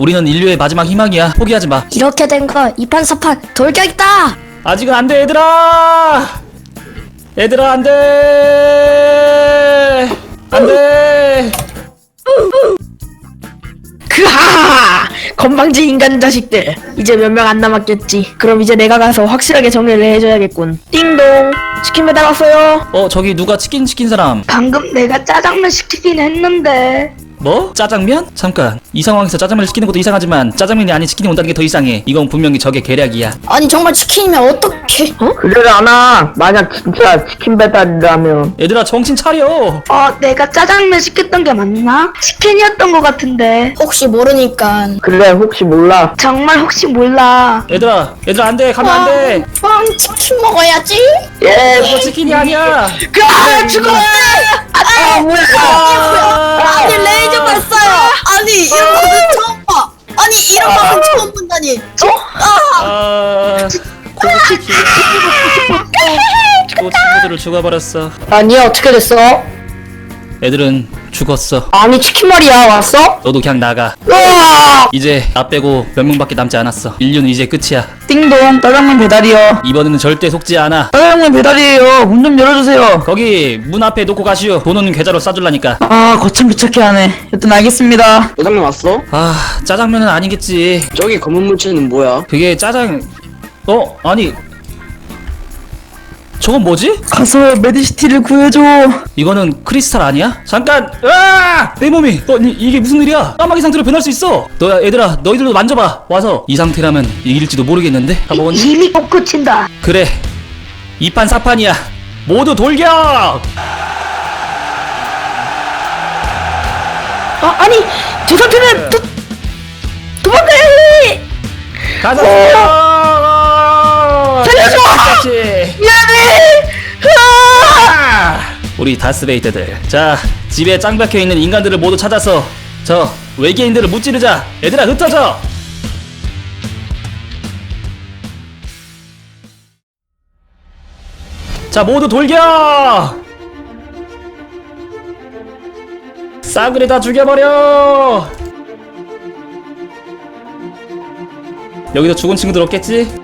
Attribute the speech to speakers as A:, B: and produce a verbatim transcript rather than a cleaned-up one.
A: 우리는 인류의 마지막 희망이야. 포기하지 마.
B: 이렇게 된 거 이판사판 돌격이다.
A: 아직은 안 돼, 얘들아. 얘들아, 안 돼. 안 돼.
C: 그하하! 건방진 인간 자식들. 이제 몇 명 안 남았겠지. 그럼 이제 내가 가서 확실하게 정리를 해줘야겠군. 띵동. 치킨 배달 왔어요.
A: 어, 저기 누가 치킨 시킨 사람?
C: 방금 내가 짜장면 시키긴 했는데.
A: 뭐? 짜장면? 잠깐. 이 상황에서 짜장면을 시키는 것도 이상하지만 짜장면이 아닌 치킨이 온다는 게 더 이상해. 이건 분명히 적의 계략이야.
B: 아니 정말 치킨이면 어떡해?
C: 어? 그래 않아. 만약 진짜 치킨 배달이라면.
A: 얘들아, 정신 차려.
C: 어, 내가 짜장면 시켰던 게 맞나? 치킨이었던 것 같은데.
B: 혹시 모르니까.
C: 그래, 혹시 몰라. 정말 혹시 몰라.
A: 얘들아, 얘들아, 안 돼. 가면 안 돼.
B: 그럼 치킨 먹어야지.
C: 예.
A: 이거 치킨이 아니야.
C: 그, 죽어! 아, 뭐야.
A: 아,
B: 아니 레이저 봤어요. 아니 이런 거는 처음 봐. 아니 이런 거는 처음 본다니.
A: 아, 고치킨. 또 친구들을 죽어버렸어.
C: 아니, 어떻게 됐어?
A: 애들은 죽었어.
C: 아니, 치킨 말이야, 왔어?
A: 너도 그냥 나가.
C: 으아!
A: 이제 나 빼고 몇 명밖에 남지 않았어. 인류는 이제 끝이야.
C: 띵동, 짜장면 배달이요.
A: 이번에는 절대 속지 않아.
C: 짜장면 배달이에요. 문 좀 열어주세요.
A: 거기 문 앞에 놓고 가시오. 돈은 계좌로 싸줄라니까.
C: 아, 거참 귀찮게 하네. 여튼 알겠습니다.
D: 짜장면 왔어?
A: 아, 짜장면은 아니겠지.
D: 저기 검은 물체는 뭐야?
A: 그게 짜장... 어? 아니... 저건 뭐지?
C: 가서 메디시티를 구해줘.
A: 이거는 크리스탈 아니야? 잠깐! 으아! 내 몸이! 어, 이, 이게 무슨 일이야? 까마귀 상태로 변할 수 있어! 너야, 얘들아, 너희들도 만져봐! 와서! 이 상태라면 이길지도 모르겠는데? 다 먹었니?
C: 이미 못 고친다.
A: 그래! 이판 사판이야! 모두 돌격!
C: 아, 아니, 저 상태는 도, 도망가야 해!
A: 가자!
C: 살려줘! 미안해!
A: 아! 우리 다스베이트들, 자, 집에 짱 박혀있는 인간들을 모두 찾아서 저 외계인들을 무찌르자. 얘들아, 흩어져. 자, 모두 돌격! 싸그리 다 죽여버려. 여기도 죽은 친구들 없겠지?